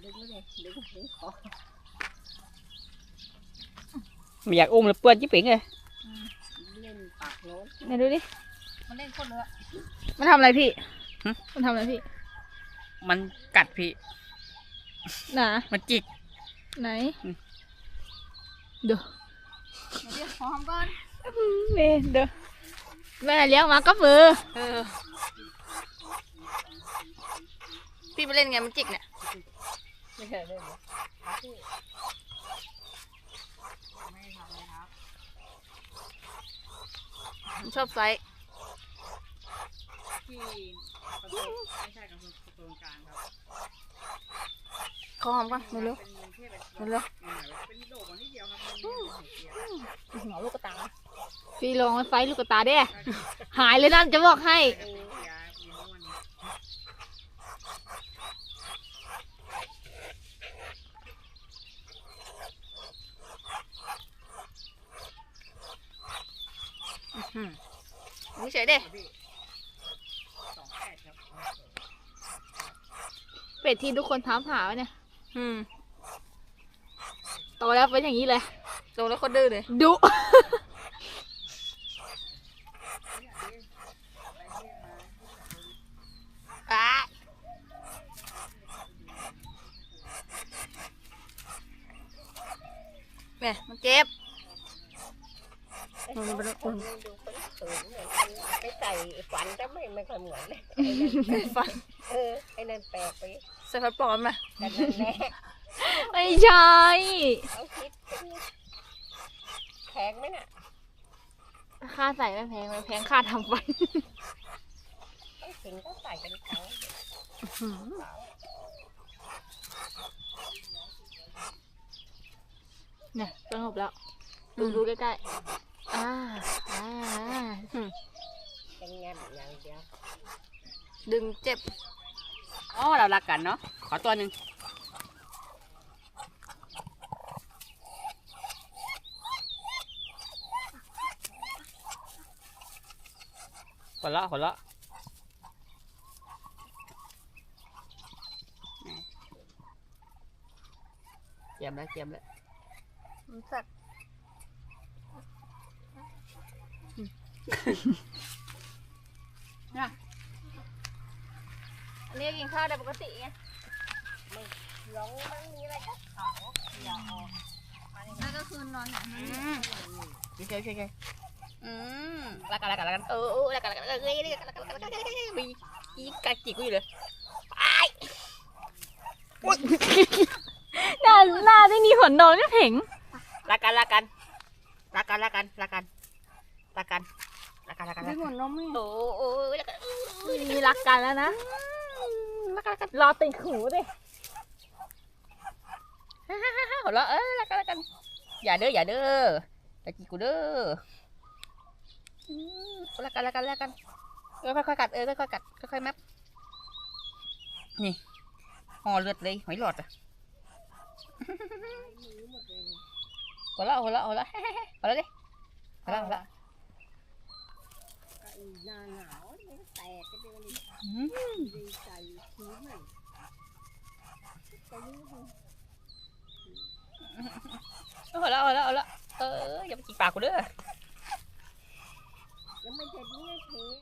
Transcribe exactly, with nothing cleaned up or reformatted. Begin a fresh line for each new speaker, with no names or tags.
ดึงเลยดึงดึงคอ
ไม่อยากอุ้มเลยเปื้อนจิ๊บเป๋งเลย
เล่นปากโน้น
ไหนดูดิ
มันเล่นคนเลย
มันทำอะไรพี่มันทำอะไรพี่
มันกัดพี่
หนา
มันจิก
ไหนเดี๋ยว
เดี๋ยวขอหอมก่อน
แม่เดี๋ยวแม่เลี้ยงมาก็มือ
เออพี่ไปเล่นไงมันจิกเนี่ย
ไม่เคยเล่นเลยครับพี่ไม่ทำเลยครับ
มันชอบไซส์
ที่ประตูไม่ใช่กับประตูกลางครับ
ขอหอมก่อนเร็ว
เป็นเทพเป็น
ๆเร็ว
เป็นโดดมาที่เดียวครับมันมีหัวเสีย
ๆหัวลูกกระตา
พี่ลองไฟลูกกระตาเด้หายเลยนั่นจะบอกให้
เออเสียเสียวันนี้
นี่เฉยเด้
สองแปดครับ
เป็ดที่ทุกคนถามหาเนี่ย
อืม
โตแล้วเป็นอย่างนี้เลย
โตแล้วก็ดื้อเลย
ดุ
อ้าเนี่ยมันเจ็บมันมันมัน
ดูคนสูงเหมือนไม่ใส่ฝันก็ไม่ไม่ค่อยเหมือนเลย
ฟัน
เออไอ้นั่นแปลกไป
ใส่ฟันปลอมมา
กันนั่นแหละ
ไม่ใช่
เอาคิดแพงไหมน่ะ
ค่าใส่ไม่แพงไม่แพงค่าทำฟัน
ต้องถึงก็ใส่กันครั้ง
เนี่ยสงบแล้ว ดูดูใกล้ๆอ่าอ่า
เป็นงานอย่างเดียว
ดึงเจ็บอ๋อเรารักกันเนาะขอตัวหนึ่งหัวเราะหัวเราะเจียมแล้วเจียมแล้วมันสัตว์นะอันนี้กินข้าวได้ปกติไง
ร้องมันมีอะไรก็ขาวอย่าออก
นั่นก็คือนอนอย่างนี้
อืมโอเคโอเคโอเคอืมรักกันรักกันรักกันเออเออรักกันรักกันเออเออรักกันรักกันรักกันรักกันมีอีกัดจิกกูอยู่เลยไอ้
หน้าหน้าที่มีขนนอนก็เพ่ง
รักกันรักกันรักกันรักกันรักกันรักกันรักกันรักกันรัก
ไม่
กัน
หมดน้องไม่
โอ้โอ้รักกัน
มีรักกันแล้วนะ
รักกันรักกัน
รอติดหูดิ
ฮ่าฮ่าฮ่าหัวเราะเออรักกันรักกันอย่าเด้ออย่าเด้อตะกี้กูเด้ออืมรักกันรักกันรักกันเออค่อยๆกัดเออค่อยๆกัดค่อยๆแมปนี่ห่อเลือดเลยหอยหลอดอ่ะหัวเราะหัวเราะหัวเราะหัวเราะดิหัวเราะหัวเราะ
หน้าหนาวแตกก็เดิน
อืม
ดีใจชื้นเลย
หัวเราะหัวเราะหัวเราะเอออย่าไปจิกปากกูเด้อ
ยังไม่เสร็จนี่เท